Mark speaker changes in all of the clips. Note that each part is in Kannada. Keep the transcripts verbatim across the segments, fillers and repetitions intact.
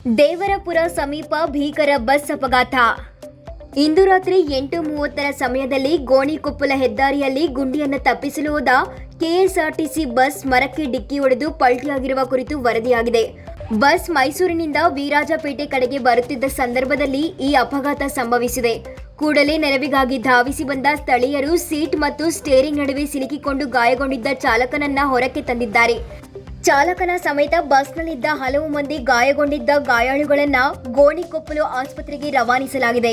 Speaker 1: ದೇವರಪುರ ಸಮೀಪ ಭೀಕರ ಬಸ್ ಅಪಘಾತ. ಇಂದು ರಾತ್ರಿ ಎಂಟು ಮೂವತ್ತರ ಸಮಯದಲ್ಲಿ ಗೋಣಿಕೊಪ್ಪಲ ಹೆದ್ದಾರಿಯಲ್ಲಿ ಗುಂಡಿಯನ್ನು ತಪ್ಪಿಸಲು ಹೋದ ಕೆಎಸ್ಆರ್ಟಿಸಿ ಬಸ್ ಮರಕ್ಕೆ ಡಿಕ್ಕಿ ಹೊಡೆದು ಪಲ್ಟಿಯಾಗಿರುವ ಕುರಿತು ವರದಿಯಾಗಿದೆ. ಬಸ್ ಮೈಸೂರಿನಿಂದ ವಿರಾಜಪೇಟೆ ಕಡೆಗೆ ಬರುತ್ತಿದ್ದ ಸಂದರ್ಭದಲ್ಲಿ ಈ ಅಪಘಾತ ಸಂಭವಿಸಿದೆ. ಕೂಡಲೇ ನೆರವಿಗಾಗಿ ಧಾವಿಸಿ ಬಂದ ಸ್ಥಳೀಯರು ಸೀಟ್ ಮತ್ತು ಸ್ಟೇರಿಂಗ್ ನಡುವೆ ಸಿಲುಕಿಕೊಂಡು ಗಾಯಗೊಂಡಿದ್ದ ಚಾಲಕನನ್ನ ಹೊರಕ್ಕೆ ತಂದಿದ್ದಾರೆ. ಚಾಲಕನ ಸಮೇತ ಬಸ್ನಲ್ಲಿದ್ದ ಹಲವು ಮಂದಿ ಗಾಯಗೊಂಡಿದ್ದ ಗಾಯಾಳುಗಳನ್ನ ಗೋಣಿಕೊಪ್ಪಲು ಆಸ್ಪತ್ರೆಗೆ ರವಾನಿಸಲಾಗಿದೆ.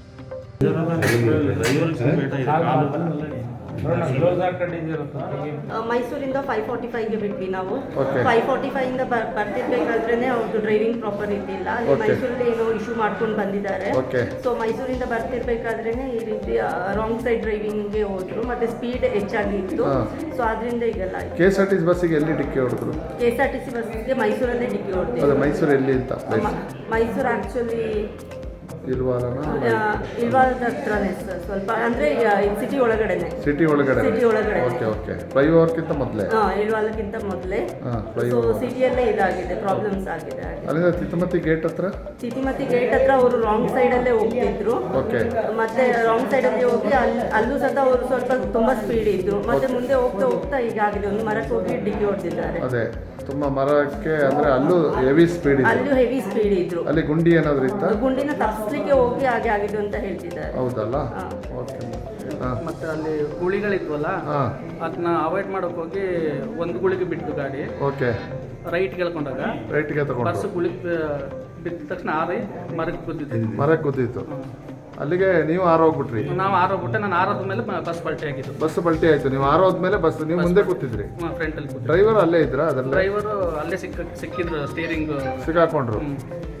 Speaker 2: ಮೈಸೂರಿಂದ ಫೈವ್ ಫಾರ್ಟಿ ಫೈವ್ಗೆ ಬಿಟ್ವಿ ನಾವು. ಫೈವ್ ಫಾರ್ಟಿ ಫೈವ್ ಇಂದ ಬರ್ತಿರ್ಬೇಕಾದ್ರೆ ಅವ್ರದ್ದು ಡ್ರೈವಿಂಗ್ ಪ್ರಾಪರ್ ಇದ್ದಿಲ್ಲ. ಅಲ್ಲಿ ಮೈಸೂರಲ್ಲಿ ಏನೋ ಇಶ್ಯೂ ಮಾಡ್ಕೊಂಡು ಬಂದಿದ್ದಾರೆ. ಸೊ ಮೈಸೂರಿಂದ ಬರ್ತಿರ್ಬೇಕಾದ್ರೆ ಈ ರೀತಿ ರಾಂಗ್ ಸೈಡ್ ಡ್ರೈವಿಂಗ್ಗೆ ಹೋದ್ರು, ಮತ್ತೆ ಸ್ಪೀಡ್ ಹೆಚ್ಚಾಗಿ ಇತ್ತು. ಸೊ ಅದರಿಂದ ಈಗೆಲ್ಲ
Speaker 3: K S R T C ಬಸ್ಸಿಗೆ ಎಲ್ಲಿ ಡಿಕ್ಕಿ ಹೊಡೆದ್ರು?
Speaker 2: K S R T C ಬಸ್ಗೆ ಮೈಸೂರಲ್ಲೇ ಡಿಕ್ಕಿ ಹೊಡೆದ್ರು.
Speaker 3: ಮೈಸೂರು ಎಲ್ಲಿ ಅಂತ?
Speaker 2: ಮೈಸೂರು ಆಕ್ಚುಲಿ
Speaker 3: ಇಲ್ವಾಲನ
Speaker 2: ಇಲ್ವಾಲದ ಹತ್ರನೇ ಸರ್, ಸ್ವಲ್ಪ ಅಂದ್ರೆ ಸಿಟಿ ಒಳಗಡೆನೆ.
Speaker 3: ಸಿಟಿ ಒಳಗಡೆ
Speaker 2: ಸಿಟಿ ಒಳಗಡೆ
Speaker 3: ಓಕೆ ಓಕೆ ಫ್ಲೈಓವರ್ಗಿಂತ ಮೊದಲೇ
Speaker 2: ಹಾ ಇಲ್ವಾಲಕ್ಕಿಂತ ಮೊದಲೇ ಸೊ ಸಿಟಿಯಲ್ಲೇ ಇದಾಗಿದೆ, ಪ್ರಾಬ್ಲಮ್ಸ್ ಆಗಿದೆ.
Speaker 3: ಅಲ್ಲಿಂದ ತಿತ್ತಮತಿ ಗೇಟ್ ಹತ್ರ
Speaker 2: ತಿತಿಮತಿ ಗೇಟ್ ಹತ್ರ ಅವರು ರಾಂಗ್ ಸೈಡ್ ಅಲ್ಲೇ ಹೋಗ್ತಿದ್ರು.
Speaker 3: ಓಕೆ
Speaker 2: ಮತ್ತೆ ರಾಂಗ್ ಸೈಡ್ ಅಲ್ಲಿ ಹೋಗಿ ಅಲ್ಲಿ ಅಲ್ಲೂ ಸಹ ಅವರು ಸ್ವಲ್ಪ ತುಂಬಾ ಸ್ಪೀಡ್ ಇದ್ರು. ಮತ್ತೆ ಮುಂದೆ ಹೋಗ್ತಾ ಹೋಗ್ತಾ ಈಗ ಆಗಿದೆ, ಒಂದು ಮರಕ್ಕೆ ಹೋಗಿ ಡಿಕ್ಕಿ ಹೊಡೆದಿದ್ದಾರೆ.
Speaker 3: ಅದೇ ತುಂಬಾ ಮರಕ್ಕೆ ಅಂದ್ರೆ ಅಲ್ಲೂ ಹೆವಿ ಸ್ಪೀಡ್ ಇತ್ತು.
Speaker 2: ಅಲ್ಲೂ ಹೆವಿ ಸ್ಪೀಡ್ ಇದ್ರು.
Speaker 3: ಅಲ್ಲಿ ಗುಂಡಿ ಏನಾದ್ರು ಇತ್ತ?
Speaker 2: ಗುಂಡಿನ ತಪ್ಪಿಸ್ಲಿಕ್ಕೆ ಹೋಗಿ ಹಾಗೆ ಆಗಿದ್ದು ಅಂತ ಹೇಳ್ತಿದ್ದಾರೆ.
Speaker 3: ಹೌದಲ್ಲ? ಓಕೆ.
Speaker 4: ಮತ್ತೆ ಅಲ್ಲಿ ಗುಳಿಗಳಿದ್ವಲ್ಲ, ಅದನ್ನ ಅವಾಯ್ಡ್ ಮಾಡೋಕೆ ಹೋಗಿ ಒಂದು ಗುಳಿಗೆ ಬಿಟ್ಟು ಗಾಡಿ
Speaker 3: ಓಕೆ
Speaker 4: ರೈಟ್ ಕೇಳ್ಕೊಂಡಾಗ
Speaker 3: ರೈಟ್ಗೆ ತಗೊಂಡು
Speaker 4: ಬಸ್ ಗುಳಿ ಬಿದ್ದ ತಕ್ಷಣ ಆರಿ ಮರಕ್ಕೆ ಗುದ್ದಿದ್ದೀವಿ.
Speaker 3: ಮರಕ್ಕೆ ಗುದ್ದಿತ್ತು. ಅಲ್ಲಿಗೆ ನೀವು ಆರೋಗ್ಬಿಟ್ರಿ?
Speaker 4: ನಾವು ಆರೋಗ್ಬಿಟ್ಟೆ. ನಾನು ಆರೋದ ಮೇಲೆ ಬಸ್ ಪಲ್ಟಿ ಆಗಿದ್ದು.
Speaker 3: ಬಸ್ ಪಲ್ಟಿ ಆಯ್ತು, ನೀವು ಆರೋದ್ಮೇಲೆ ಬಸ್ ನೀವು ಮುಂದೆ ಕೂತಿದ್ರಿ?
Speaker 4: ಫ್ರಂಟ್ ಅಲ್ಲಿ.
Speaker 3: ಡ್ರೈವರ್ ಅಲ್ಲೇ ಇದ್ರ? ಅದಲ್ಲ
Speaker 4: ಡ್ರೈವರು ಅಲ್ಲೇ ಸಿಕ್ಕ ಸಿಕ್ಕಿದ್ರು, ಸ್ಟೇರಿಂಗ್
Speaker 3: ಸಿಕ್ಕಾಕೊಂಡ್ರು.